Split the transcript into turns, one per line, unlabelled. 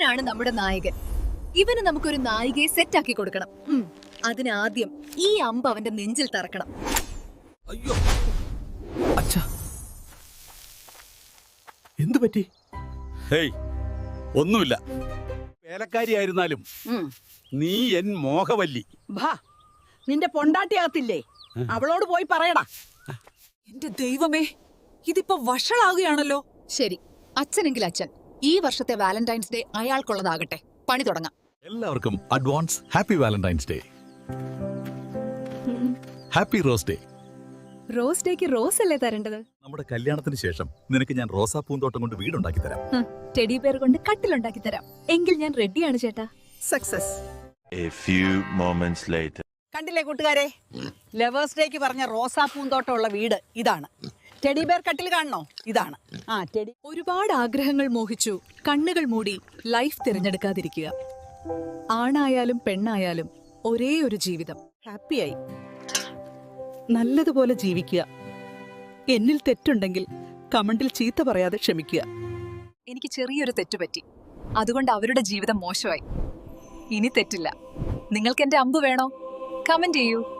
ഇവനാണ് നമ്മുടെ നായകൻ. ഇവന് നമുക്കൊരു നായികയെ സെറ്റാക്കി കൊടുക്കണം. അതിനാദ്യം ഈ അമ്പ് അവന്റെ നെഞ്ചിൽ തറക്കണം.
അയ്യോ അച്ഛാ, എന്തു പറ്റി? ഹേയ്, ഒന്നുമില്ല. വേലക്കാരിയായിരുന്നാലും നീ എൻ മോഹവല്ലി.
ഭാ, നിന്റെ പൊണ്ടാട്ടിയാകത്തില്ലേ? അവളോട് പോയി പറയടാ.
എന്റെ ദൈവമേ, ഇതിപ്പോ വഷളാകുകയാണല്ലോ.
ശരി, അച്ഛനെങ്കിൽ അച്ഛൻ. ഈ വർഷത്തെ വാലന്റൈൻസ് ഡേ അയാൾക്കുള്ളതാകട്ടെ. പണി തുടങ്ങാം.
എല്ലാവർക്കും advance happy Valentine's day. Happy rose day.
Rose ഡേക്ക് റോസ് അല്ലേ തരേണ്ടത്?
നമ്മുടെ കല്യാണത്തിന് ശേഷം നിനക്ക് ഞാൻ റോസാ പൂന്തോട്ടം കൊണ്ട് വീടുണ്ടാക്കി തരാം.
ടെഡി പേർ കൊണ്ട് കട്ടിലുണ്ടാക്കി തരാം. എങ്കിൽ ഞാൻ റെഡിയാണ് ചേട്ടാ.
Success.
A few moments later.
കണ്ടില്ലേ കൂട്ടുകാരെ, ലവേഴ്സ് ഡേക്ക് പറഞ്ഞ റോസാ പൂന്തോട്ടമുള്ള വീട് ഇതാണ്. ടെഡി ബെയർ കട്ടിൽ കാണണോ? ഇതാണ്. ടെഡി.
ഒരുപാട് ആഗ്രഹങ്ങൾ മോഹിച്ചു കണ്ണുകൾ മൂടി ലൈഫ് തിരഞ്ഞെടുക്കാതിരിക്കുക. ആണായാലും പെണ്ണായാലും ഒരേ ഒരു ജീവിതം.
ഹാപ്പിയായി നല്ലതുപോലെ ജീവിക്കുക. എന്നിൽ തെറ്റുണ്ടെങ്കിൽ കമന്റിൽ ചീത്ത പറയാതെ ക്ഷമിക്കുക.
എനിക്ക് ചെറിയൊരു തെറ്റുപറ്റി, അതുകൊണ്ട് അവരുടെ ജീവിതം മോശമായി. ഇനി തെറ്റില്ല. നിങ്ങൾക്ക് എന്റെ അമ്പ് വേണോ? കമന്റ് ചെയ്യൂ.